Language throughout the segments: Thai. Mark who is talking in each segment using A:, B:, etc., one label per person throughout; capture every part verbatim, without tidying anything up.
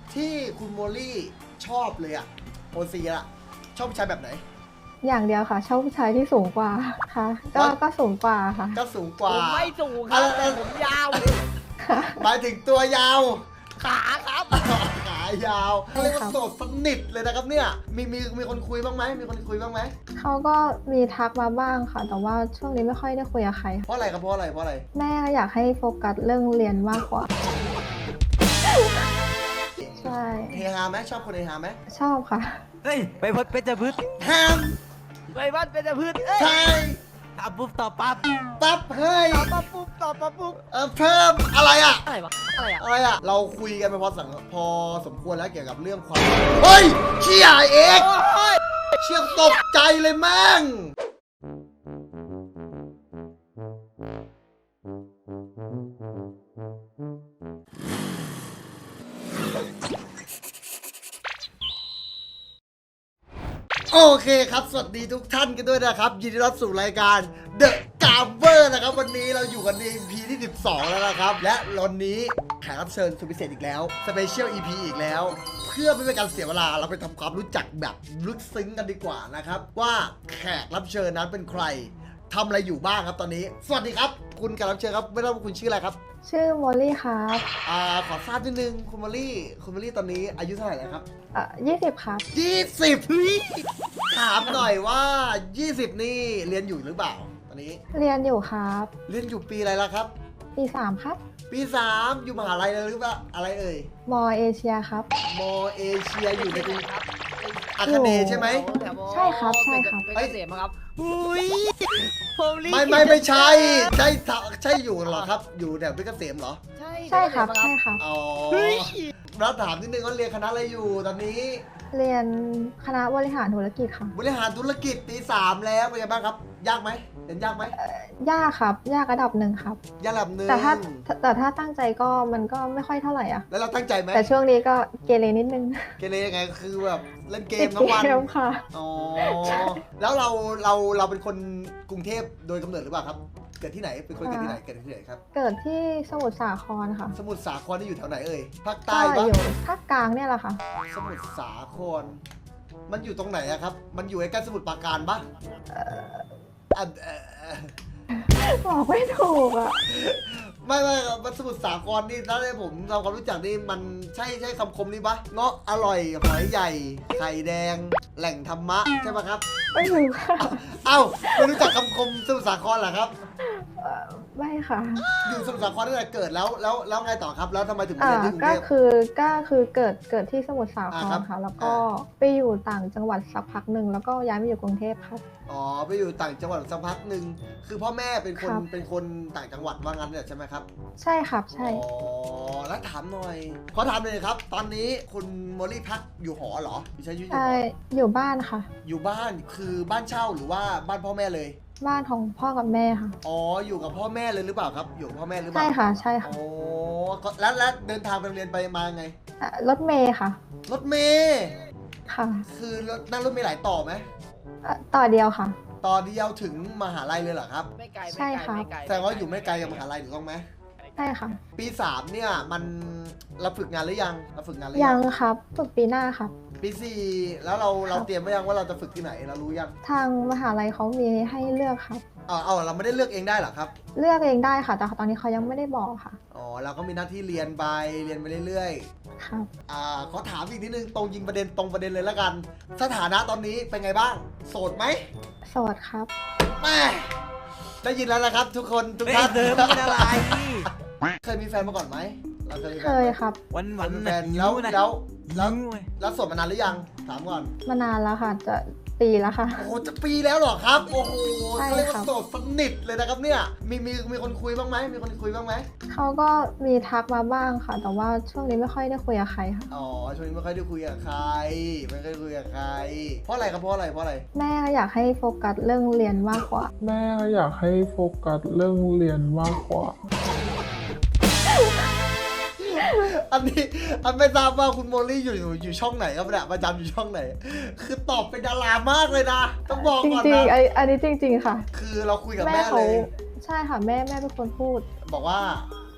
A: ที่คุณโมลี่ชอบเลยอะโอซีอะชอบผู้ชายแบบไหน
B: อย่างเดียวค่ะชอบผู้ชายที่สูงกว่าค่ะก็ก็สูงกว่าค่ะ
A: ก็สูงก
C: ผ
A: ว่า
C: มไม่สูงครับแต่ผมยาว
A: หมายถึงตัวยาว
C: ขาครับ
A: ขายาวเรียกว่าโสดสนิทเลยนะครับเนี่ยมีมีมีคนคุยบ้างไหมมีคนคุยบ้างไหม
B: เขาก็มีทักมาบ้างค่ะ แต่ว่าช่วงนี้ไม่ค่อยได้คุยกับใคร
A: เพราะอะไรครับเพราะอะไรเพราะอะไร
B: แม่อยากให้โฟกัสเรื่องเรียนมากกว่าใช่
A: เฮฮาไหมชอบคนเฮฮาไหม
B: ชอบค่ะ
C: เฮ้ยไปพดเพชรพืช
A: แฮม
C: ไปบ้านเพชรพืชเอ้ย
A: ใช่
C: ทำปุ๊บต่อปั๊บ
A: ปั๊บเฮ้ย
C: ต่อปั๊บปุ๊บต่อปั๊บปุ๊บ
A: เออเพิ่มอะไรอะ
C: อะไรวะอะไรอ่ะ
A: อะไรอะเราคุยกันไปพอสังพอสมควรแล้วเกี่ยวกับเรื่องความเฮ้ยเชี่ยเอก
C: โอ้ย
A: เชี่ยตกใจเลยแม่งโอเคครับสวัสดีทุกท่านกันด้วยนะครับยินดีต้อนรับสู่รายการ The Gamer นะครับวันนี้เราอยู่กันใน อี พี ที่สิบสองแล้วนะครับและวันนี้แขกรับเชิญสุดพิเศษอีกแล้ว Special อี พี อีกแล้ว เพื่อไม่เป็นการเสียเวลาเราไปทำความรู้จักแบบลึกซึ้งกันดีกว่านะครับว่าแขกรับเชิญนั้นเป็นใครทำอะไรอยู่บ้างครับตอนนี้สวัสดีครับคุณแขกรับเชิญครับไม่รู้ว่าคุณชื่ออะไรครับ
B: ชื่อโมลี่ครับ
A: อ่าขอทราบนิดนึงคุณมอลลี่คุณมอลลี่ตอนนี้อายุเท่าไหร่แล้วครับ
B: เอ่อยี่สิบครับ
A: ยี่สิบถามหน่อยว่ายี่สิบนี่เรียนอยู่หรือเปล่าตอนนี้
B: เรียนอยู่ครับ
A: เรียนอยู่ปีอะไรแล้วครับ
B: ปีสามครับ
A: ปีสามอยู่มหาลัยเลยหรือเปล่าอะไรเอ่ย
B: มอเอเชียครับ
A: มอเอเชียอยู่ในกรุง
C: ครับ
A: อาคาเนย์ใช่ไหม
B: ใช่ครับใช่ครับ
C: เป็นเกษมครับอุ้ยผมรีบ
A: ไม่ไม่ไม่ใช่ใช่ใช่อยู่เหรอครับ อยู่แถวเพชรเกษมเหรอ
C: ใช่
B: ใช่ครับใช่ครับ
A: อ๋อ
C: เฮ้ย
A: แล้วถามนิดนึงว่าเรียนคณะอะไรอยู่ตอนนี้
B: เรียนคณะบริหารธุรกิจค่ะ
A: บริหารธุรกิจปีสามแล้วเป็นไงบ้างครับ ยากไหมเรียนยากไหม
B: ยากครับ ยากระดับหนึ่งครับ
A: ยากระดับหนึ่ง
B: แต่ถ้าแต่ถ้าตั้งใจก็มันก็ไม่ค่อยเท่าไหร่อ่ะ
A: แล้วเราตั้งใจไหม
B: แต่ช่วงนี้ก็เกเรนิดนึง
A: เกเรยังไงคือแบบเล่นเก
B: ติ
A: ม
B: ด
A: ทั้งวัน
B: เกมค่ะ
A: อ๋อ แล้วเราเราเราเป็นคนกรุงเทพโดยกำเนิดหรือเปล่าครับ เกิดที่ไหน เป็นคนเกิดที่ไหน เกิดที่ไหนครับ
B: เกิดที่สมุทรสาครค่ะ
A: สมุทรสาครนี่อยู่แถวไหนเอ่ย ภาค
B: ก็
A: ใต้ปะ
B: อยู่ภาคกลางเนี่ยแหละค่ะ
A: สมุทรสาคร มันอยู่ตรงไหนอะครับ มันอยู่ใกล้ๆสมุทรปราการปะอ่ะเอ่อ
B: บอกไม่ถูกอ่ะ
A: ไม่ไม่มันสมุทรสาครนี่ถ้าได้ผมทำความรู้จักนี่มันใช่ใช่คำคมนี้ปะเงาะอร่อยหอยใหญ่ ไข่แดง แหล่งธรรมะใช่ปะครับ
B: ไม่รู้ค่ะ
A: เอ้าไม่รู้จักคำคมสมุทรสาครเหรอครับ
B: เอ่อไม่ค่ะ
A: อยู่สมุทรสาครตั้งแต่เกิดแล้วแล้วแล้วไงต่อครับ แล้วทำไมถึงมา
B: อ่า
A: เรียนที่กรุง
B: ก็
A: เทพ
B: คือก็คือเกิดเกิดที่สมุทรสาค
A: อ่าร ครับ
B: ค่ะ แล้วก็
A: อ่
B: ไปอยู่ต่างจังหวัดสักพักหนึ่งแล้วก็ย้ายมาอยู่กรุงเทพครับ
A: อ๋อไปอยู่ต่างจังหวัดสักพักหนึ่งคือพ่อแม่เป็นคน
B: ครับ
A: เป็นคนต่างจังหวัดว่างั้นเนี่ยใช่ไหมครับ
B: ใช่ครับใช่
A: อ๋อแล้วถามหน่อยขอถามเลยครับ ตอนนี้คุณโมลี่พักอยู่หอเหรออยู่ใช้ชีวิตอยู่
B: ใช่
A: หอ
B: อยู่บ้านค่ะ
A: อยู่บ้านคือบ้านเช่าหรือว่าบ้านพ่อแม่เลย
B: บ้านของพ่อกับแม่ค่ะ
A: อ๋ออยู่กับพ่อแม่เลยหรือเปล่าครับ อยู่กับพ่อแม่หรือเป
B: ใช่
A: ล่า
B: ค่ะใช่ค่ะ
A: โอ้ก็แล้วแล้วเดินทางไปโรงเรียนไปมาไง
B: อ่ะรถเมย์ค่ะ
A: รถเมย์
B: ค่ะ
A: คือรถนั่งรถเมย์หลายต่อไหม
B: อ่ะต่อเดียวค่ะ
A: ต่อเดียวถึงมหาลัยเลยเหรอครับ
C: ไม่ไกล
B: ใช่
C: ไม่ไกล
B: ครับ
C: ไม่ไกล
A: แสดงว่าอยู่ไม่ไกลกับมหาลัยถูกต้องไหม
B: ใช่ค่ะ
A: ปีสามเนี่ยมันเราฝึกงานหรือยังเราฝึกงานหรือ
B: ยั
A: ยัง ง
B: ครับฝึกปีหน้าครับ
A: ปีสี่แล้วเราเรา
B: ครับ
A: เตรียมไว้ยังว่าเราจะฝึกที่ไหนเรารู้ยัง
B: ทางมหาลัยเขามีให้เลือกครับ
A: เอาเอาเราไม่ได้เลือกเองได้เหรอครับ
B: เลือกเองได้ค่ะ แต่ตอนนี้เขายังไม่ได้บอกค่ะ
A: อ๋อเราก็มีหน้าที่เรียนไปเรียนไปเรื่อย
B: ครับ
A: ๆอ่าขอถามอีกนิดนึงตรงยิงประเด็นตรงประเด็นเลยละกัน สถานะตอนนี้เป็นไงบ้าง โสดไหม
B: โสดครับ
A: แม่ได้ยินแล้วนะครับ ทุกคนทุก
C: เฮ้ย
A: ท่าน
C: เดิมเป็นอะไร
A: เคยมีแฟนมาก่อนไหมเราเคยมีแฟ
B: เคน ย
A: ไหม
B: ครับ
C: วัน
A: เค
C: วั
A: ย
C: น
A: มีแฟนแล้วแล้วแล้ว แล้วโสดมานานหรือยังถามก่อน
B: มานานแล้วค่ะ จะปีแล้วค่ะ
A: โอ้โหจะปีแล้วเหรอครับ โอ้โห
B: ใช่
A: เขาเรียก
B: ครั
A: ว่า
B: บ
A: โสดสนิทเลยนะครับเนี่ย มีมีมีคนคุยบ้างไหมมีคนคุยบ้างไหม
B: เขาก็มีทักมาบ้างค่ะ แต่ว่าช่วงนี้ไม่ค่อยได้คุยกับใครค่ะ
A: อ๋อช่วงนี้ไม่ค่อยได้คุยกับใคร ไม่ค่อยคุยกับใคร เพราะอะไรครับเพราะอะไรเพราะอะไร
B: แม่อยากให้โฟกัสเรื่องเรียนมากกว่า
D: แม่อยากให้โฟกัสเรื่องเรียนมากกว่า
A: อันนี้อันไม่ทราบว่าคุณโมลี่อยู่อยู่อยู่ช่องไหนครับเนี่ยประจำอยู่ช่องไหน คือตอบเป็นดารามากเลยนะ ต้องบอก
B: จ
A: ก่อน
B: ริง
A: นะ
B: ๆอันอันนี้จริง ๆ ค่ะ
A: คือเราคุยกับ
B: แม่
A: แม่
B: เขา
A: เลย
B: ใช่ค่ะแม่แม่เป็นคนพูด
A: บอกว่า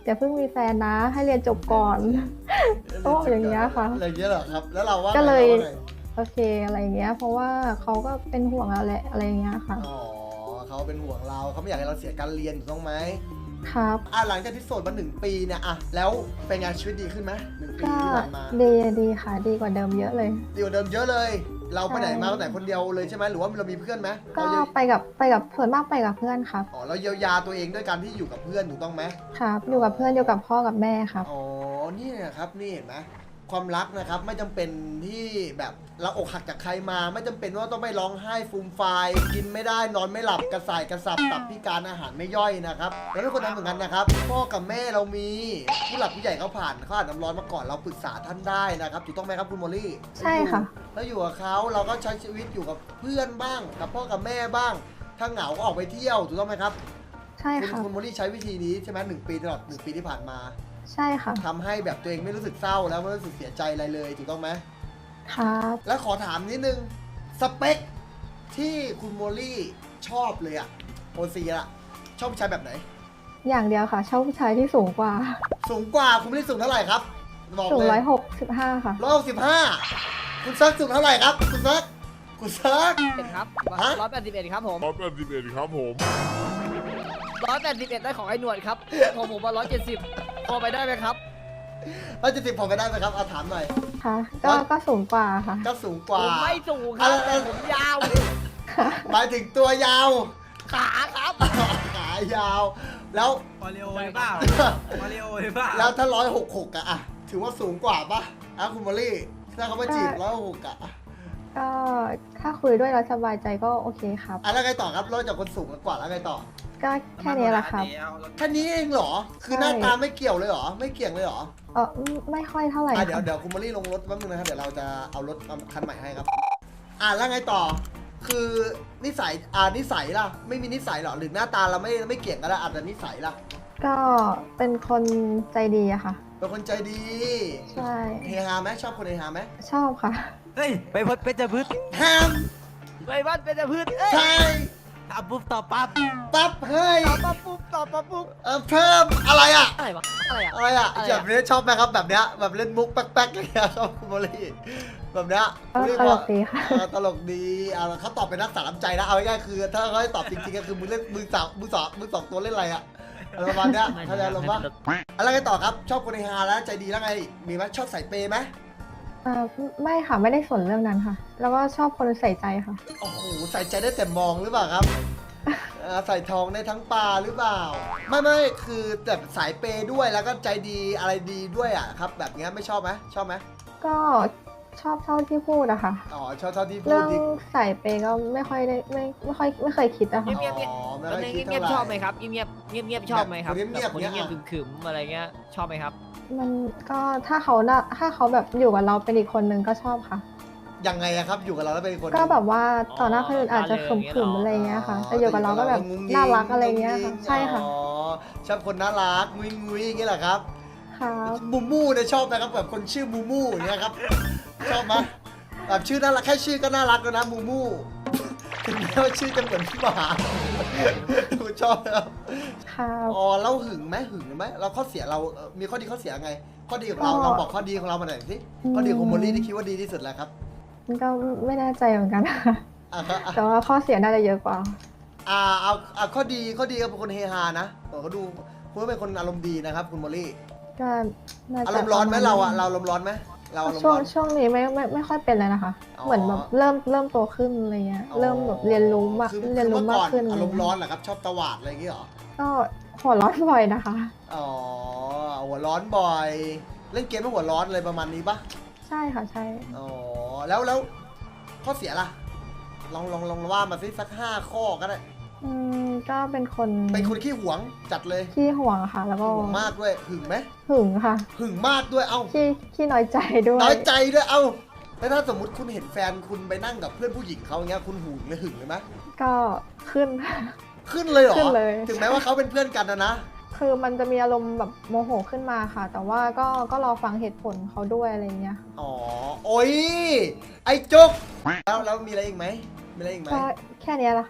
B: อย่าเพิ่งมีแฟนนะ ให้เรียนจบก่อน โอ้อย่างเงี้ยค่ะ
A: อะไรอย่างเงี้ยเหรอครับ แล้วเราว่า
B: ก็เลย
A: ราว่าไง
B: โอเคอะไรเงี้ย เพราะว่าเขาก็เป็นห่วงเราแหละอะไรเงี้ยค่ะ
A: อ๋อเขาเป็นห่วงเราเขาไม่อยากให้เราเสียการเรียนถูกต้องไหม
B: ครับ
A: อ่ะหลังจากที่โสดมาหนึ่งปีเนี่ยอ่ะแล้วเป็นไงชีวิตดีขึ้นไหมหนึ่งปี
B: ก็
A: ที่ผ่านมา
B: ดีดีค่ะ ดีกว่าเดิมเยอะเลย
A: ดีกว่าเดิมเยอะเลย เราไปไหน
B: ใช่
A: มาไปไหนคนเดียวเลยใช่ไหมหรือว่าเรามีเพื่อนไหม
B: ก็
A: เราเยีย
B: ไปกับไปกับส่วนมากไปกับเพื่อนครับ
A: อ๋อเราเยียวยาตัวเองด้วยการที่อยู่กับเพื่อนถูกต้องไหม
B: ครับ อยู่กับเพื่อนอยู่กับพ่อกับแม่ครับ
A: อ๋อ นี่นะครับ นี่เห็นไหมความรักนะครับ ไม่จำเป็นที่แบบเราอกหักจากใครมา ไม่จำเป็นว่าต้องไปร้องไห้ฟูมฟายกินไม่ได้นอนไม่หลับกระส่ายกระสับตับพิการอาหารไม่ย่อยนะครับเราไม่ควรทำเหมือนกันนะครับพ่อกับแม่เรามีผู้หลักผู้ใหญ่เขาผ่านเขาอ่านน้ำร้อนมาก่อนเราปรึกษาท่านได้นะครับถูกต้องไหมครับคุณโมลี่
B: ใช่ค่ะ
A: แล้วอยู่กับเขาเราก็ใช้ชีวิตอยู่กับเพื่อนบ้างกับพ่อกับแม่บ้าง ถ้าเหงาก็ออกไปเที่ยวถูกต้องไหมครับ
B: ใช่
A: คุณ
B: ค่ะ
A: คุณโมลี่ใช้วิธีนี้ใช่ไหมหนึ่งปีตลอดหนึ่งปีที่ผ่านมา
B: ใช่ค่ะ
A: ทำให้แบบตัวเองไม่รู้สึกเศร้าแล้วไม่รู้สึกเสียใจอะไรเลยถูกต้องไหม
B: ครับ
A: แล้วขอถามนิดนึงสเปคที่คุณโมลี่ชอบเลยอะโอซีอะชอบผู้ชายแบบไหน
B: อย่างเดียวค่ะ ชอบผู้ชายที่สูงกว่า
A: สูงกว่าคุณโมลี่สูงเท่าไหร่ครับบอก
B: สูง
A: เลย
B: ร้อยหกสิบห้าค่ะ
A: ร้อยหกสิบห้าคุณซักสูงเท่าไหร่ครับ คุณซักคุณซัก
C: เอ็ดครับ
A: ฮะ
C: ร้อยแปดสิบเอ็ดครับผม
D: ร้อยแปดสิบเอ็ดครับผม
C: ร้อยแปดสิบเอ็ดได้ของไอ้หนวดครับของผมว่าร้อยเจ็ดสิบพอไปได้ไหมครับ
A: ร้อยเจ็ดสิบพอไปได้ไหมครับเอาถามหน่อย
B: ค่ะ ก็ก็สูงกว่าค่ะ
A: ก็สูงก
C: ผ
A: ว่า
C: มไม่สูงครับ
A: อะไร
C: แต่ผมยาว
A: หมายถึงตัวยาว
C: ขาครับ
A: ขายาว แล้ว
E: มาริโอหรือเปล่า มาริโอหรือเปล่า
A: แล้วถ้าร้อยหกหกอะอะถือว่าสูงกว่าปะอ่ะคุณโมลี่ถ้าเขามาจีบร้อยหกอะ
B: ก็ถ้าคุยด้วยแล้วสบายใจก็โอเคครับ
A: อ่ะแล้วไงต่อครับนอกจากคนสูงกว่าแล้วไงต่อ
B: ก็แค่นี้แหละครับ
A: แค่นี้เองเหรอ คือ
B: ใช่
A: หน้าตาไม่เกี่ยวเลยเหรอ ไม่เกี่ยงเลยเหรอ
B: เออไม่ค่อยเท่าไหร่
A: อ่ะเดี๋ยว
B: ค่ะ
A: เดี๋ยวคุณโมลี่ลงรถแป๊บนึงนะครับ เดี๋ยวเราจะเอารถคันใหม่ให้ครับ อ่ะแล้วไงต่อ คือนิสัย อ่านิสัยล่ะ ไม่มีนิสัยเหรอ หรือหน้าตาเราไม่ไม่เกี่ยงกันแล้วอาจจะนิสัยล่ะ
B: ก็เป็นคนใจดีอะค่ะ
A: เป็นคนใจดี
B: ใช่
A: เฮฮาไหมชอบคนเฮฮาไหม
B: ชอบค่ะ
E: เฮ้ย ไปพดเพชรพืช
A: ห้าม
C: ไปบ้านเป็นแต่พืชเอ้ย
A: ใช่
E: ทำปุ๊บต่อปั๊บ
A: ปั๊บเฮ้ย
C: ตอบมาปุ๊บตอบมาปุ๊บ
A: เออเพิ่มอะไรอ่ะ
C: อะไรวะอะไรอะ
A: อะไรอ่ะ
C: อะไร
A: แบ
C: อะ
A: บนี้ชอบไหมครับแบบเนี้ยแบบเล่นมุกแป๊กๆอย่างเงี้ยชอบคุณโมลี่แบบเนี้ย
B: ก็
A: คุณโมลี่
B: ต
A: บ
B: ล
A: อก
B: กดีค่ะ
A: เออตลกดีอ่ะเขาตอบเป็นนักสารน้ำใจนะเอาง่ายๆคือ ถ้าเขาให้ตอบจริงๆก็คือมึงเล่นมึงสาวมึงสองมึงสองตัวเล่นอะไรอ่ะอะไรประมาณเนี้ยเข้าใจลงปะอะไรกันต่อครับชอบคนเฮฮาแล้วใจดีแล้วไงมีไหมชอบใส่เปย์ไหม
B: เอ่อไม่ค่ะไม่ได้สนเรื่องนั้นค่ะ แล้วก็ชอบคนใส่ใจค่ะ
A: โอ้โหใส่ใจได้แต่มองหรือเปล่าครับเออใส่ทองได้ทั้งปลาหรือเปล่า ไม่ไม่คือแบบสายเปย์ด้วยแล้วก็ใจดีอะไรดีด้วยอ่ะครับ แบบเนี้ยไม่ชอบไหมชอบไหม
B: ก็ชอบเท่าที่พูดอะค่ะ
A: อ๋อชอบเท่าที่พู
B: เรื่
A: ด
B: อง
A: ดี
B: ใส่เปย์ก็ไม่ค่อยได้ไม่ไม่ค่อยไม่เคยคิดอะค่ะ
C: เงียบ
A: อ๋อไม่
C: แล้ว
A: ค่อย
C: เงี
A: คิ
C: ย
A: ด
C: บเงียบ
A: เท่าไหร่
C: ชอบไหมครับเงียบเงียบเงียบเงียบชอบไหมครับ
A: แบบเงียบๆ
C: คน
A: เงี้ย
C: เงียบๆขึมๆอะไรเงี้ยชอบไหมครับ
B: มันก็ถ้าเขาน่ะถ้าเขาแบบอยู่กับเราเป็นอีกคนนึงก็ชอบค่ะ
A: ยังไงอะครับอยู่กับเราแล้วเป็นคน
B: ก็แบบว่าต่อหน้าคนอื่นอาจจะข
C: อ๋อ
B: ึมๆอะไรเงี้ยค่ะ
A: อ๋อ
B: แต่อยู่กับเราก็แบบ
A: งุ้งงิ้ง
B: น่ารักอะไรเงี้ยค่ะ
A: งุ้งงิ้ง
B: ใช่ค่ะ
A: อ๋อชอบคนน่ารักงุ้ยงุ้ยอย่างเงี้ยเหรอครับ
B: ครับ
A: มูมูเนี่ยชอบไหมครับแบบคนชื่อมูมูอย่างเงี้ยครับชอบไหมแบบชื่อน่ารักแค่ชื่อก็น่ารักแล้วนะมูมูถึงแม้ว่าชื่อจะเหมือนพี่หมาคุณชอบไหมครับ
B: ครับ
A: อ๋อเราหึงไหมหึงไหมเราข้อเสียเราเอ่อมีข้อดีข้อเสียไง ข้อดีของเราเราบอกข้อดีของเรามาหน่อยสิข้อดีของโมลี่ที่คิดว่าดีที่สุดแล้วครับ
B: มันก็ไม่แน่ใจเหมือนกันค่ะ
A: อ่ะครับอ่ะ
B: แต่ว่าข้อเสียน่าจะเยอะกว่า
A: อ่าเอาเอาข้อดีข้อดีก็เป็นคนเฮฮานะเออเขาดูคุณก็เป็นคนอารมณ์ดีนะครับคุณโมลี่
B: ก็น่าจะ
A: อารมณ์ร้อนไหม
B: ปะณ
A: เราอะเราอารมณ์ร้อนไหมเราอารมณ์
B: ช่วง
A: ร้อน
B: ช่วงนี้ไม่ไม่ไม่ค่อยเป็นเลยนะคะ
A: อ๋อ
B: เหมือนแบบเริ่มเริ่มโตขึ้นอะไรเงี้ย
A: อ๋อ
B: เริ่มแบบเรียนรู้มาก
A: คือ
B: เรียนรู้
A: คือ
B: มา
A: เมื่
B: ก
A: อก่อน
B: ขึ้น
A: อารมณ์ร้อนเหรอครับชอบตวาดอะไรอย่างเงี้ยเหรอ
B: ก็หัวร้อนบ่อยนะคะ
A: อ๋อหัวร้อนบ่อย เล่นเกมไม่หัวร้อนอะไรประมาณนี้ปะ
B: ใช่ค่ะใช่
A: อ๋อแล้วแล้วข้อเสียล่ะลองลองลองว่ามาสิสักห้าข้อก็ได้
B: อืมก็เป็นคน
A: เป็นคนขี้หวงจัดเลย
B: ขี้ห่วงค่ะ แล้วก็
A: หวงมากด้วยหึงไหม
B: หึงค่ะ
A: หึงมากด้วยเอ้า
B: ขี้ขี้น้อยใจด้วย
A: น้อยใจด้วยเอ้าแล้วถ้าสมมติคุณเห็นแฟนคุณไปนั่งกับเพื่อนผู้หญิงเขาอย่างเงี้ยคุณหึงเลยหึงเลยไหม
B: ก็ขึ้นค่ะ
A: ขึ้นเลยเหรอ
B: ขึ้นเลย
A: ถึงแม้ว่าเขาเป็นเพื่อนกันนะนะ
B: คือมันจะมีอารมณ์แบบโมโหขึ้นมาค่ะ แต่ว่าก็ก็รอฟังเหตุผลเขาด้วยอะไรเงี้ย
A: อ๋อโอ้ยไอ้จุกแล้วแล้วมีอะไรอีกไหมมีอะไรอีกไหม
B: ก็แค่เนี้ยแหละค่ะ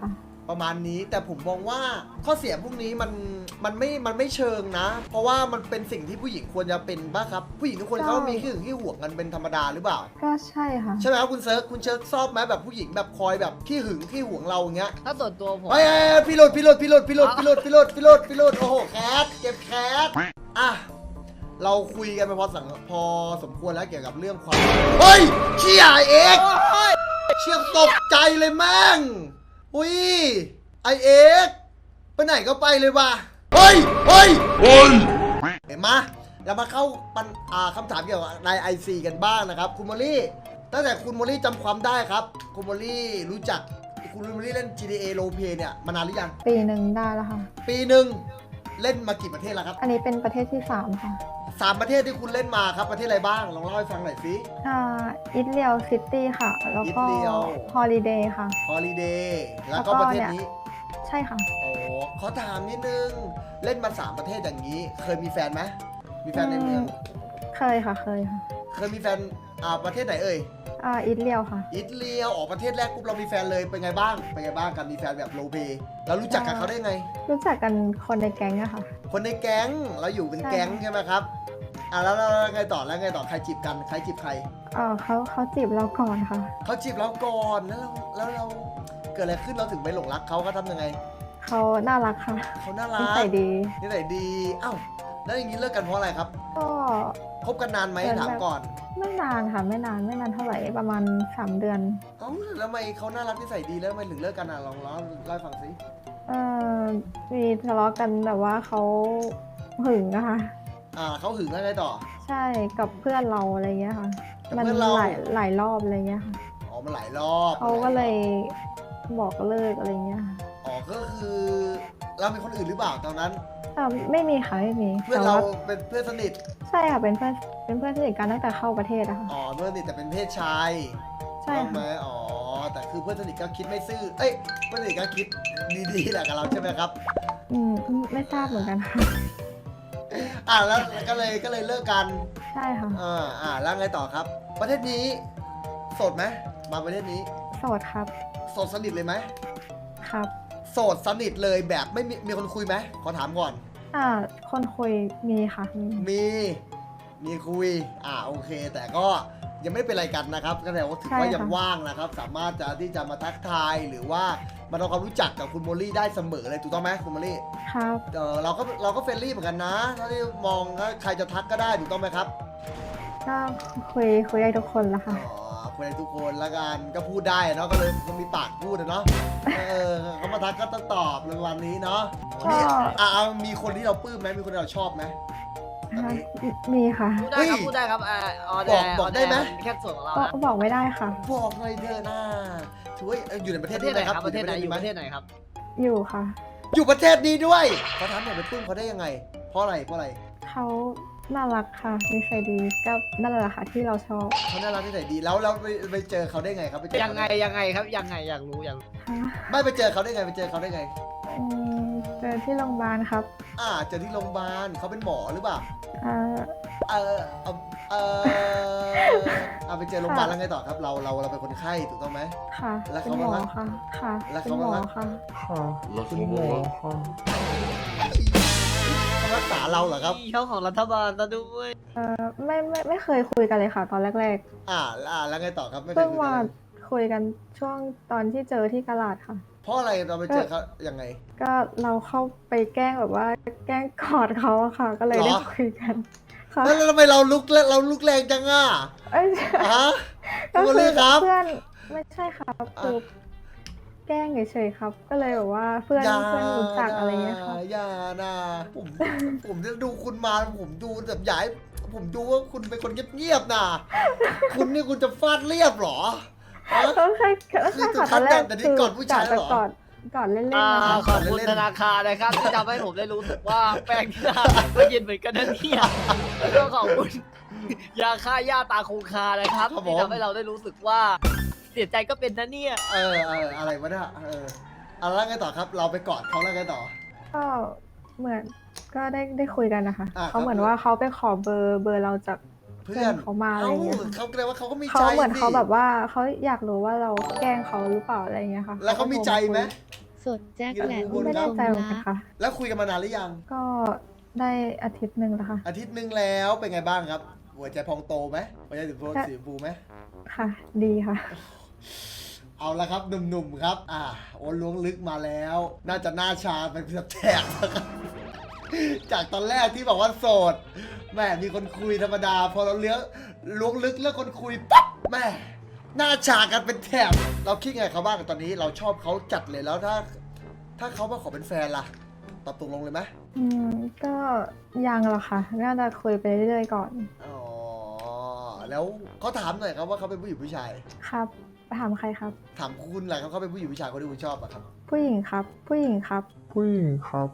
A: ประมาณนี้แต่ผมมองว่าข้อเสียพวกนี้มันมันไม่มันไม่เชิงนะ เพราะว่ามันเป็นสิ่งที่ผู้หญิงควรจะเป็นบ้างครับผู้หญิงทุกคนเขามีขี้หึงขี้หวงกันเป็นธรรมดาหรือเปล่า
B: ก็ใช่ค่ะ
A: ใช่ไหมครับคุณเซิร์ฟคุณเชิร์ฟชอบไหมแบบผู้หญิงแบบคอยแบบขี้หึงขี้หวงเราอย่างเงี้ย
C: ถ้าส่วนตัวผม
A: เฮ้ยพี่โรดพี่โรดพี่โรดพี่โรดพี่โรดพี่โรดพี่โรดพี่โรดโอ้โหแคทเก็บแคทอ่ะเราคุยกันไปพอสังพอสมควรแล้วเกี่ยวกับเรื่องความเฮ้ยเชี่ยเอ็กซ์เชี่ยตกใจเลยแม่งอุ้ยไอเอ็กซ์ไปไหนก็ไปเลยว่ะเฮ้ยเฮ้ยเฮ้ยเห็นไหมเรามาเข้าปัญอ่าคำถามเกี่ยวกับในไอซีกันบ้างนะครับคุณโมลี่ตั้งแต่คุณโมลี่จำความได้ครับคุณโมลี่รู้จักคุณโมลี่เล่น จี ที เอ Roleplay เนี่ยมานานหรือยัง
B: ปีหนึ่งได้แล้วค่ะ
A: ปีหนึ่งเล่นมากี่ประเทศแล้วครับ
B: อันนี้เป็นประเทศที่สามค่ะ
A: สามประเทศที่คุณเล่นมาครับประเทศอะไรบ้างลองเล่าให้ฟังหน่อยสิ
B: อ่าอิตเลียวซิตี้ค่ะ แล้วก็
A: อิตเลียว
B: ฮอลิเดย์ค่ะ
A: ฮอลิเดย์แล้วก็
B: แล้วก็
A: ประเทศ
B: เนี่ย
A: นี้
B: ใช่ค่ะ
A: โอ้ขอถามนิดนึงเล่นมาสามประเทศอย่างนี้ เคยมีแฟนไหมมีแฟนในเมือง
B: เคยค่ะเคยค่ะ
A: เคยมีแฟนอ่าประเทศไหนเอ่ย
B: อ่าอิตเลียวค่ะ
A: อิตาลีออกประเทศแรกปุ๊บเรามีแฟนเลยเป็นไงบ้างเป็นไงบ้างการมีแฟนแบบโรลเพลย์เรารู้จักกับเขาได้ไง
B: รู้จักกันคนในแก๊งอะค่ะ
A: คนในแก๊งเราอยู่เป็น
B: ใช่
A: แก๊งใช่ไหมครับอ่ะแล้วแล้วแล้วไงต่อแล้วไงต่อใครจีบกันใครจีบใคร
B: เออเขาเขาจีบเราก่อนค่ะ
A: เขาจีบเราก่อนแล้วเราแล้วเราเกิดอะไรขึ้นเราถึงไปหลงรักเขาเขาทำยังไง
B: เขาน่ารักค่ะ
A: เขาน่ารัก
B: นิสัยดี
A: นิสัยดีอ้าวแล้วอย่างนี้เลิกกันเพราะอะไรครับ
B: ก็
A: คบกันนานไหม
B: เดือน
A: ถาม
B: แบบ
A: ก่อน
B: ไม่นานค่ะ ไม่นานไม่นานเท่าไหร่ประมาณสามเดือน
A: เอ้าแล้วทำไมเขาน่ารักนิสัยดีแล้วทำไมถึงเลิกกันอ่ะลองเล่าเล่าให้ฟังสิ
B: เออมีทะเลาะกันแบบว่าเขาหึงนะคะ
A: อ่าเขาหึงแล้วไงต่อ
B: ใช่กับเพื่อนเราอะไรเงี้ยค่ะ
A: กับ
B: มัน
A: เพื่อนเรา
B: หลายหลายรอบอะไรเงี้ยค่ะ
A: อ๋อมันหลายรอบ
B: เขาก็เลยบอกเลิกอะไรเงี้ยค่ะ
A: อ๋อก็คือเรามีคนอื่นหรือเปล่าตอนนั้น
B: เอ่อไม่มีค่ะไม่มี
A: เพื่อน
B: แต่
A: เรา
B: ว่า
A: เป็นเพื่อนสนิท
B: ใช่ค่ะเป็นเพื่อนเป็นเพื่อนสนิทกันตั้งแต่เข้าประเทศอะค่ะ
A: อ๋อเพื่อนสนิทแต่เป็นเพศชาย
B: ใช่
A: ถูกไหม
B: ค่ะ
A: อ๋อแต่คือเพื่อนสนิทก็คิดไม่ซื่อเอ้ยเพื่อนสนิทก็คิดดีๆแหละกับเราใช่ไหมครับ
B: อืมไม่ทราบเหมือนกันค่ะ
A: อ่าแล้วก็เลยก็เลยเลิกกัน
B: ใช่ค่ะ
A: อ่าอ่าแล้วไงต่อครับ ประเทศนี้โสดไหมมาประเทศนี้
B: โสดครับ
A: โสดสนิทเลยไหม
B: ครับ
A: โสดสนิทเลยแบบไม่มีมีคนคุยไหมขอถามก่อน
B: อ่าคนคุยมีค่ะมี
A: มีมีคุยอ่าโอเค แต่ก็ยังไม่ได้เป็นอะไรกันนะครับก็แสดงว่าถือว่ายังว่างนะครับ สามารถจะที่จะมาทักทายหรือว่ามาทำความรู้จักกับคุณโมลี่ได้เสมอเลยถูกต้องไหมคุณโมลี่
B: ครับ
A: เออเราก็เราก็เฟรนลี่เหมือนกันนะถ้าที่มองว่าใครจะทักก็ได้ถูกต้องไหมครับ
B: ก็คุยคุยได้ทุกคนละ
A: อ๋
B: ค่ะ
A: อคุยได้ทุกคนละกันก็พูดได้เนาะก็เลยก็มีปากพูดอะเนาะเออเขามาทักก็ต้องตอบในวันนี้เนาะมีอ่ามีคนที่เราปลื้มไหมมีคนที่เราชอบไหมตอนนี้
B: มีค่ะ
C: พูดได้ครับ
A: เฮ้ย
C: พูดได้ครับอ่าออแด
A: บอกบอกได้ไหม
C: แค่ส่วนของเรา
B: ก็
C: นะ
B: บอกไม่ได้ค่ะ
A: บอกหน่อยเถอะนะถือว่าอยู่ในประเท
C: ป
A: ศ
C: ระเท
A: นี้
C: ศไหน
A: ไหม
C: ค
A: ค
C: รั
A: รั
C: บบ ประเทศไหนอยู่
A: ไหม
C: ประเทศไหนครับ
B: อยู่ค่ะ
A: อยู่ประเทศนี้ด้วยเขาถามหน่อยไปปลื้มเขาได้ยังไง เพราะอะไรเพราะอะไร
B: เขาน่ารักค่ะนิสัยดีก็นั่นแหละค่ะที่เราชอบ
A: เขาน่ารักที่ไหนดีแล้วแล้วไปไปเจอเขาได้ไงครับไปเจอ
C: ยัง
A: เขา
C: ไง
A: ด้
C: ยังไงครับยังไงอยากรู้อยากรู้
B: ค่ะ
A: ไม่ไปเจอเขาได้ไงไปเจอเขาได้ไง
B: อืมเจอที่โรงพยาบาลครับ
A: อ่าเจอที่โรงพยาบาลเขาเป็นหมอหรือเปล่า
B: อ่า
A: เออเออเออเอาไปเจอโรงพยาบาลแล้วไงต่อครับ เราเราเราเป็นคนไข้ถูกต้องไหม
B: ค่ะ
A: แล้ว
B: เป็
A: เขา
B: นหมอ
A: ว่าไง
B: ค่ะ ค่ะ
A: แล้ว
B: เป็
A: เขา
B: นหมอ
A: ว่าไง
B: ค่ะ
D: ค่ะคุณหมอค่ะ
A: เขารักษาเราเหรอครับ
C: ช่องของรัฐบาลซะด้วย
B: เออไม่ไม่ไม่เคยคุยกันเลยค่ะ ตอนแรก
A: อ่าอ่าแล้วไงต่อครับไม่
B: ๆ
A: เคย
B: เพิ่ง
A: คุย
B: มา
A: กัน
B: คุยกันช่วงตอนที่เจอที่กะลาดค่ะ
A: เพราะอะไรเราไปเจอเขายังไง
B: ก็เราเข้าไปแกล้งแบบว่าแกล้งกอดเขาอะค่ะ ก็เลยได้
A: เหรอ
B: คุยกันค่ะ
A: แล้วแล้วทำไมเราลุกแล้วเราลุกแรงจังอ่ะ
B: เอ้ย
A: ฮะ
B: ก็
A: คุณ
B: คื
A: ลี่
B: อ
A: ครับ
B: เพื่อนไม่ใช่ครับคือแกล้งเฉยๆครับ ก็เลยแบบว่าเพื่อน
A: อย่า
B: เพื่อนรู้จักอะไรเงี้ยค่ะ
A: อย่านะผมผมจะดูคุณมาผมดูแบบอยากให้ผมดูว่าคุณเป็นคนเงียบๆนะคุณนี่คุณจะฟาดเรียบเหรอฮะ
B: ก็ใช่ก็ใช่ค่ะตอนแรก
A: แต่นี่กอดผู้ชายเหรอ
B: กอดกอดเล่นๆ
C: อ่า
B: นะคะ
C: ขอบคุณธนาคารนะครับที่ทำให้ผมได้รู้สึกว่าแป้งที่ร้านก็เย็นเหมือนกันนะเนี่ยแล้วก็ขอบคุณยาฆ่าหญ้าตาคงคานะครับ
A: ครับผม
C: ที่ทำให้เราได้รู้สึกว่าเสียใจก็เป็นนะเนี่ย
A: เออเอออะไรวะเนี่ยเออเอาแล้วไงต่อครับ เราไปกอดเขาแล้วไงต่อ
B: ก็เหมือนก็ได้ได้คุยกันนะคะ
A: อ่า
B: เขาเหมือน
A: ครับ
B: ว่าเขาไปขอเบอร์เบอร์เราจาก
A: เพื่อน
B: เขามาอะไรเงี้ย
A: เขาแสดงว่าเขาก็มีใจ
B: เขาเหมือน
A: สิ
B: เขาแบบว่าเขาอยากรู้ว่าเราแกล้งเขาหรือเปล่าอะไรเงี้ยค่ะ
A: แล้วเขามีใจไหม
F: สดแจ็คแหลม
B: ไม่แน่ใจเหมือนกันค่ะ
A: แล้วคุยกันมานานหรือยัง
B: ก็ได้อาทิตย์หนึ่งแล้วค่ะ
A: อาทิตย์หนึ่งแล้วเป็นไงบ้างครับ หัวใจพองโตไหมหัวใจสีฟูสีชมพูไหม
B: ค่ะ ดีค่ะ
A: เอาละครับหนุ่มๆครับ อ่าโอนล้วงลึกมาแล้ว น่าจะหน้าชาเป็นแถบๆนะครับ จากตอนแรกที่บอกว่าโสดแม่มีคนคุยธรรมดา พอเราเลี้ยงล้วงลึกเรื่องคนคุยปั๊บแม่หน้าชากันเป็นแถบ เราคิดไงเขาบ้างตอนนี้เราชอบเขาจัดเลยแล้วถ้า ถ้าเขามาขอเป็นแฟนล่ะตอบตกลงเลยไหม
B: อืม ก็ยังหรอกค่ะ น่าจะคุยไปเรื่อยๆก่อน
A: อ๋อแล้วเขาถามหน่อยครับว่าเขาเป็นผู้หญิงผู้ชาย
B: ครับถามใครครับ
A: ถามคุณแหละครับเขาเป็นผู้หญิงผู้ชายคนที่คุณชอบอะครับ
B: ผู้หญิงครับ ผู้หญิงครับ
D: ผู้หญิงครับ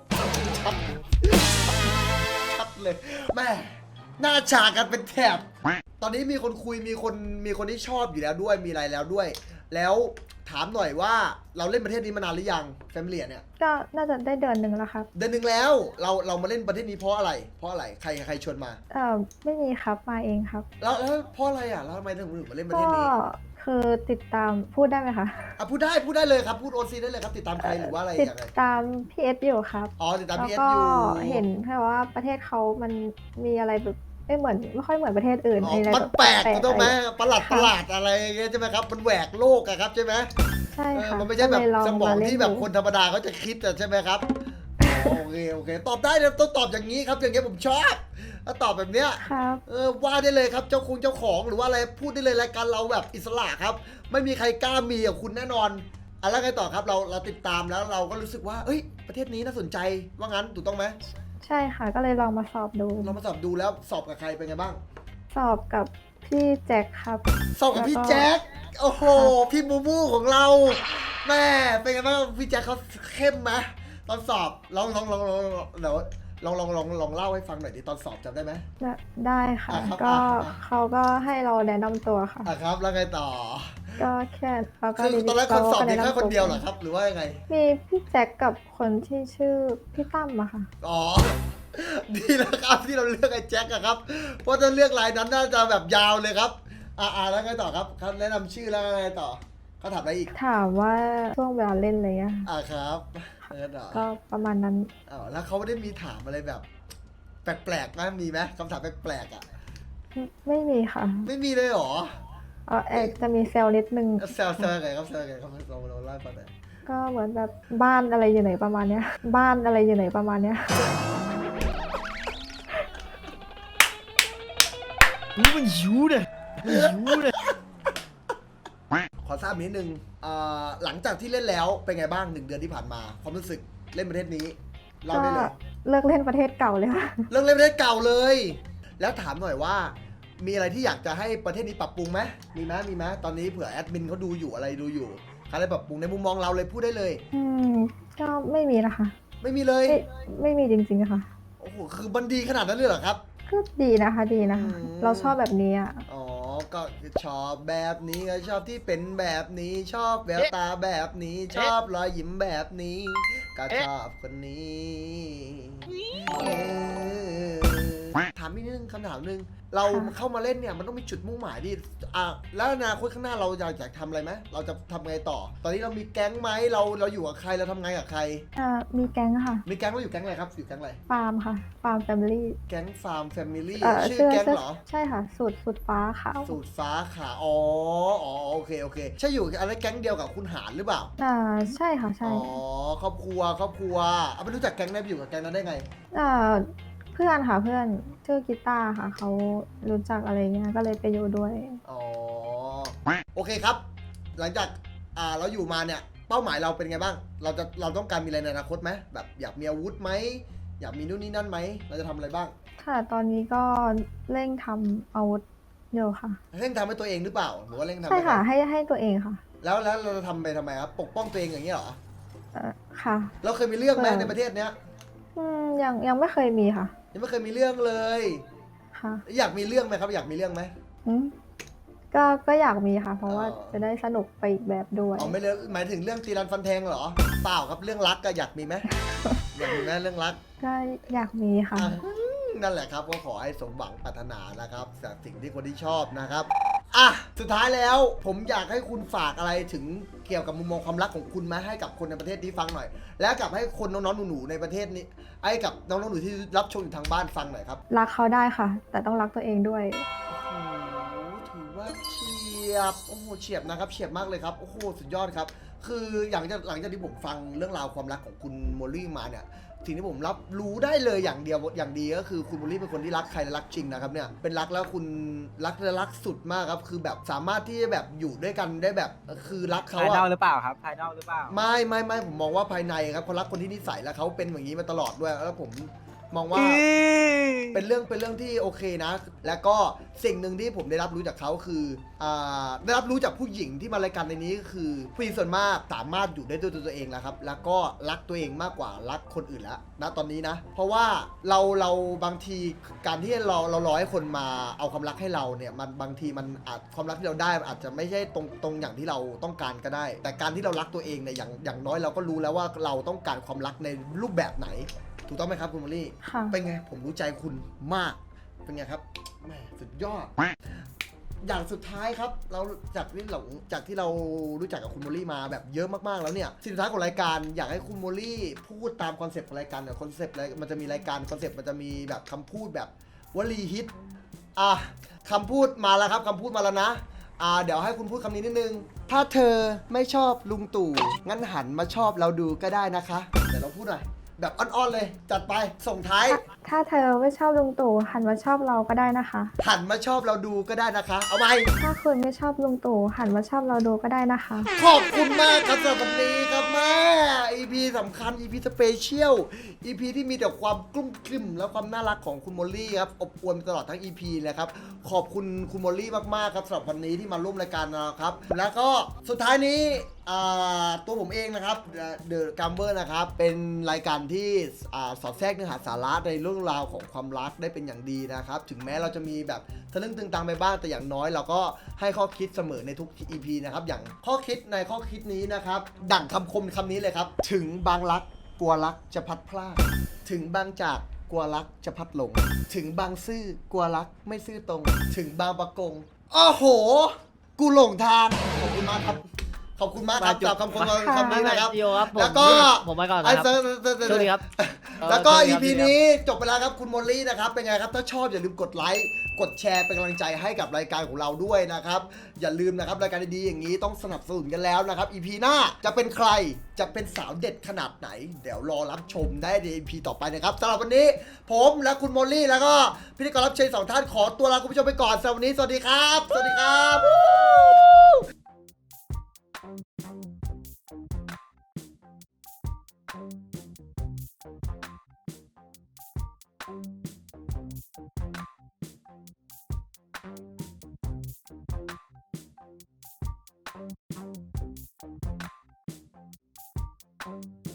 A: ชัดเลยแม่หน้าฉากกันเป็นแถบ ตอนนี้มีคนคุยมีคนมีคนที่ชอบอยู่แล้วด้วยมีอะไรแล้วด้วย แล้วถามหน่อยว่าเราเล่นประเทศนี้มานานหรือยังแฟมิลี่เนี่ย
B: ก็น่าจะได้เดือนหนึ่งแล้วครับ
A: เดือนหนึ่งแล้วเราเรามาเล่นประเทศนี้เพราะอะไร เพราะอะไรใครใครชวนมา
B: เอ่อ ไม่มีครับ มาเองครับ
A: แล้วแล้วเพราะอะไรอ่ะแล้วทำไมถึงถึงมาเล่นประ
B: ก็
A: เทศนี้
B: คือติดตามพูดได้ไหมคะ
A: อ่ะพูดได้พูดได้เลยครับพูดโอซีได้เลยครับติดตามใครหรือว่าอะไร
B: ติด
A: อย่างไร
B: ตามพีเอสอยู่ครับ
A: อ๋อติดตาม
B: แล้ว
A: พีเอส
B: ก็
A: อยู่
B: เห็นแค่ว่าประเทศเขามันมีอะไรแบบไม่เหมือนไม่ค่อยเหมือนประเทศอื่น
A: อ๋อ
B: มีอะไร
A: มัน
B: บบ
A: แปลก
B: ๆ
A: ถูกไหม
B: อะไร
A: ประหลาด
B: ค่ะ
A: ประหลาดอะไรอย่างเงี้ยใช่ไหมครับมันแหวกโลกอะครับใช่ไหม
B: ใช่
A: เออ
B: ค่ะ
A: มันไม่ใช่แบบ
B: ก็เลยล
A: สมอง
B: าเล่
A: ที่แบบ
B: ดู
A: คนธรรมดาเขาจะคิดอะใช่ไหมครับ โอเคโอเคตอบได้เลยต้องตอบอย่างนี้ครับอย่างเงี้ยผมชอบถ้าตอบแบบเนี้ย
B: ครับ
A: เออว่าได้เลยครับเจ้าคงเจ้าของหรือว่าอะไรพูดได้เลยรายการเราแบบอิสระครับ ไม่มีใครกล้ามีกับคุณแน่นอนอ่ะแล้วไงต่อครับเราเราติดตามแล้วเราก็รู้สึกว่าเอ้ยประเทศนี้น่าสนใจว่างั้นถูกต้องไหม
B: ใช่ค่ะ ก็เลยลองมาสอบดู
A: เรามาสอบดูแล้วสอบกับใครเป็นไงบ้าง
B: สอบกับพี่แจ็คครับ
A: สอบกับพี่
B: แล้วก็
A: แจ็คโอ้โหพี่มูมูของเรา แม่เป็นไงบ้างพี่แจ็คเขาเข้มไหมตอนสอบลองลองลองลองเดี๋ยวลองลองลองลองเล่าให้ฟังหน่อยดิตอนสอบจำได้ไหม
B: ได้ได้ค่ะ
A: อ่ะครับ
B: ก็
A: อ่ะอ่ะ
B: เขาก็ให้เราแนะนำตัวค่ะ
A: อ่ะครับแล้วไงต่อ
B: ก็แค่เราก็
A: คือตอนแรกคนสอบมี
B: รา
A: แค่
B: ก็
A: คนเดียวเหรอ
B: แะำตั
A: ครับ หรือว่ายังไง
B: มีพี่แจ็คกับคนที่ชื่อพี่ตั้มอะค่ะ
A: อ๋อ ดีแล้วครับที่เราเลือกไอ้แจ็คอะครับ เพราะถ้าเลือกรายนั้นน่าจะแบบยาวเลยครับ อ่าแล้วไงต่อครับเขาแนะนำชื่อแล้วไงต่อเขาถามอะไรอีก
B: ถามว่าช่วงเวลาเล่นอะไรเงี้ย
A: อ่าครับเออต่อ
B: ก็ประมาณนั้น
A: อ๋อแล้วเขาไม่ได้มีถามอะไรแบบ แปลกๆไหมมีไหมคำถามแปลกๆอ่ะ
B: ไม่ไม่มีค่ะ
A: ไม่มีเลยเหรอ
B: เออเอกจะมีเซลล์นิดนึง
A: แซวแซวไงครับแซวไงครับเราเราเล่าให้ฟังหน่อย
B: ก็เหมือนแบบบ้านอะไรอยู่ไหนประมาณเนี้ย บ้านอะไรอยู่ไหนประมาณเนี้ย
C: นี่มันหิวเลยมันหิวเลย
A: ขอทราบนิดนึงอ่าหลังจากที่เล่นแล้วเป็นไงบ้างหนึ่งเดือนที่ผ่านมาความรู้สึกเล่นประเทศนี้เล่า
B: ก็
A: ได้เลย
B: เลิกเล่นประเทศเก่าเลยค่ะ
A: เรื่องเล่นประเทศเก่าเลย แล้วถามหน่อยว่า มีอะไรที่อยากจะให้ประเทศนี้ปรับปรุงไหมมีไหมมีไหมตอนนี้เผื่อแอดมินเขาดูอยู่อะไรดูอยู่อะไรปรับปรุงในมุมมองเราเลยพูดได้เลย
B: อืมก็ไม่มีนะคะ
A: ไม่มีเลย
B: ไม่ไม่มีจริงๆอะค่ะ
A: โอ้โหคือมันดีขนาดนั้นเลยเหรอครับ
B: ก็ดีนะคะดีนะคะ
A: อืม
B: เราชอบแบบนี้อะ
A: อ๋อก็ชอบแบบนี้ก็ชอบที่เป็นแบบนี้ ชอบแววตาแบบนี้ ชอบรอยยิ้มแบบนี้ ก็ชอบคนนี้เออถามอีกนิดนึงคำถามหนึงเราเข้ามาเล่นเนี่ยมันต้องมีจุดมุ่งหมายดิอ่ะแล้วอนาคตข้างหน้าเราอยากอยากทำอะไรไหมเราจะทำไงต่อ ตอนนี้เรามีแก๊งไหมเราเราอยู่กับใครเราทำไงกับใคร
B: อ่ามีแก๊งค่ะ
A: มีแก๊งเราอยู่แก๊งอะไรครับอยู่แก๊งอะไร
B: ฟาร์มค่ะ ฟาร์มแฟมิลี่
A: แก๊งฟาร์มแฟมิลี่
B: เอ่อ
A: ชื่อ
B: เสื้อ
A: แก๊ง
B: เสื้อ
A: เหรอ
B: ใช่ค่ะ สูตรสูตรฟ้าขาว
A: สูตรฟ้าขาอ๋ออ๋อโอเคโอเคใช่อยู่อะไรแก๊งเดียวกับคุณหารหรือเปล่า
B: อ่าใช่ค่ะใช่
A: อ๋อครอบครัวครอบครัวเอาไปรู้จักแก๊งได้ไปอยู่กับแก๊งนั้นได้ไง
B: อ่าเพื่อนค่ะเพื่อนชื่อกีตาร์ค่ะเขารู้จักอะไรเงี้ยก็เลยไปอยู่ด้วย
A: อ๋อโอเคครับ หลังจากอ่าเราอยู่มาเนี่ยเป้าหมายเราเป็นไงบ้าง เราจะเราต้องการมีอะไรในอนาคตไหมแบบอยากมีอาวุธไหมอยากมีนู่นนี่นั่นไหมเราจะทำอะไรบ้าง
B: ค่ะตอนนี้ก็เร่งทำอาวุธอยู่ค่ะ
A: เร่งทำให้ตัวเองหรือเปล่าหรือว่าเร่งทำ
B: ใช่ค่ะ
A: ให้
B: ให้ให้ตัวเองค่ะ
A: แล้วแล้วเราจะทำไปทำไมครับปกป้องตัวเองอย่างนี้ยเหรอ
B: เอ่อค่ะ
A: เราเคยมีเรื่องไหม
B: เออ
A: ในประเทศเนี้ย
B: อืมยังยังไม่เคยมีค่ะ
A: ยังไม่เคยมีเรื่องเลย
B: ค่ะ
A: อยากมีเรื่องไหมครับอยากมีเรื่องไหม
B: อืมก็ก็อยากมีค่ะ เพราะว่า
A: อ๋อ
B: จะได้สนุกไปอีกแบบด้วย
A: อ๋อไม่เลยหมายถึงเรื่องตีรันฟันแทงเหรอเปล่าครับเรื่องรักก็อยากมีไหม อยากมีไหมเรื่องรัก
B: ก็อยากมีค่ะ
A: อ่ะนั่นแหละครับก็ขอให้สมหวังปรารถนานะครับจากสิ่งที่คนที่ชอบนะครับอ่ะสุดท้ายแล้วผมอยากให้คุณฝากอะไรถึงเกี่ยวกับมุมมองความรักของคุณมาให้กับคนในประเทศนี้ฟังหน่อย และกับให้คนน้องๆหนูๆในประเทศนี้ให้กับน้องๆหนูที่รับชมอยู่ทางบ้านฟังหน่อยครับ
B: รักเขาได้ค่ะ แต่ต้องรักตัวเองด้วย
A: โอ้โหถือว่าเฉียบโอ้โหเฉียบนะครับเฉียบมากเลยครับโอ้โหสุดยอดครับคืออย่างจากหลังจากที่ผมฟังเรื่องราวความรักของคุณโมลี่มาเนี่ยสิ่งที่ผมรับรู้ได้เลยอย่างเดียวอย่างดีก็คือคุณโมลี่เป็นคนที่รักใครและรักจริงนะครับเนี่ยเป็นรักแล้วคุณรักและรักสุดมากครับคือแบบสามารถที่จะแบบอยู่ด้วยกันได้แบบคือรักเขา
E: ภายนอก
A: อะ
E: หรือเปล่าครับ ภายนอกหรือเปล่า ไม่
A: ไม่ไม่ไม่ผมมองว่าภายในครับเขารักคนที่นิสัยและเขาเป็นอย่างนี้มาตลอดด้วยแล้วผมมองว่า เป็นเรื่องเป็นเรื่องที่โอเคนะ แล้วก็สิ่งหนึ่งที่ผมได้รับรู้จากเขาคืออ่าได้รับรู้จากผู้หญิงที่มารายการในนี้ก็คือผู้หญิงส่วนมากสามารถอยู่ได้ด้วยตัวเองแล้วครับ แล้วก็รักตัวเองมากกว่ารักคนอื่นแล้วนะตอนนี้นะ เพราะว่าเราเราบางทีการที่เราเรารอให้คนมาเอาความรักให้เราเนี่ยมันบางทีมันอาจความรักที่เราได้อาจจะไม่ใช่ตรงตรงอย่างที่เราต้องการก็ได้ แต่การที่เรารักตัวเองเนี่ยอย่างอย่างน้อยเราก็รู้แล้วว่าเราต้องการความรักในรูปแบบไหน ถูกต้องไหมครับคุณมอลลี่
B: ค่ะ
A: เป็นไงผมรู้ใจคุณมาก เป็นไงครับแหมสุดยอด อย่างสุดท้ายครับ เราจากที่เราจากที่เรารู้จักกับคุณโมลี่มาแบบเยอะมากๆแล้วเนี่ยสิ่งสุดท้ายของรายการอยากให้คุณโมลี่พูดตามคอนเซปต์ของรายการเนี่ยคอนเซปต์อะไรมันจะมีรายการคอนเซปต์มันจะมีแบบคำพูดแบบวลีฮิตอ่ะคำพูดมาแล้วครับคำพูดมาแล้วนะอ่าเดี๋ยวให้คุณพูดคำนี้นิดนึง ถ้าเธอไม่ชอบลุงตู่งั้นหันมาชอบเราดูก็ได้นะคะเดี๋ยวเราพูดหน่อยแบบอ่อนๆเลยจัดไปส่งท้าย
B: ถ้าเธอไม่ชอบลุงตู่หันมาชอบเราก็ได้นะคะ
A: หันมาชอบเราดูก็ได้นะคะ เอาไหม
B: ถ้าคุณไม่ชอบลุงตู่หันมาชอบเราดูก็ได้นะคะ
A: ขอบคุณมากครับสำหรับวันนี้ครับแม่ อี พี สำคัญ อี พี สเปเชียล อี พี ที่มีแต่ความกลุ้มกลิ่มและความน่ารักของคุณโมลลี่ครับอบอวลตลอดทั้ง อี พี เลยครับ ขอบคุณคุณโมลลี่มากๆครับสำหรับวันนี้ที่มาร่วมรายการนะครับ แล้วก็สุดท้ายนี้อ่าตัวผมเองนะครับ The Gambler นะครับ เป็นรายการที่อ่าสอดแทรกเนื้อหาสาระในเรื่องราวของความรักได้เป็นอย่างดีนะครับ ถึงแม้เราจะมีแบบทะลึ่งตึงตังไปบ้างแต่อย่างน้อยเราก็ให้ข้อคิดเสมอในทุก อี พี นะครับ อย่างข้อคิดในข้อคิดนี้นะครับ ดั่งคำคมคำนี้เลยครับ ถึงบางรักกลัวรักจะพัดพลาดถึงบางจากกลัวรักจะพัดหลง ถึงบางซื่อกลัวรักไม่ซื่อตรง ถึงบางประกงอ้อโห กูหลงทางขอบคุณมากครับ ขอบคุณมากครับจากคำคมคำนี้นะครับ
C: เดียวครับผม
A: แล้วก็
C: ผมไปก่อน
A: ไอ้
C: นะครับ
A: เซอร์เซอร์เซอร์
C: สวัสดีครับ
A: แล้วก็
C: เออ
A: อี
C: สวัส
A: พี
C: ดีครับ
A: นี้จบไปแล้วครับคุณโมลลี่นะครับเป็นไงครับถ้าชอบอย่าลืมกดไลค์กดแชร์เป็นกำลังใจให้กับรายการของเราด้วยนะครับอย่าลืมนะครับรายการดีๆอย่างนี้ต้องสนับสนุนกันแล้วนะครับ อี พี หน้าจะเป็นใครจะเป็นสาวเด็ดขนาดไหน เดี๋ยวรอรับชมได้ใน อี พี ต่อไปนะครับสำหรับวันนี้ผมและคุณโมลลี่แล้วก็พิธีกรรับเชิญสองท่านขอตัวลาคุณผู้ชมไปก่อนสำหรับวันนี้สวัสดีครับสวัสดีครับ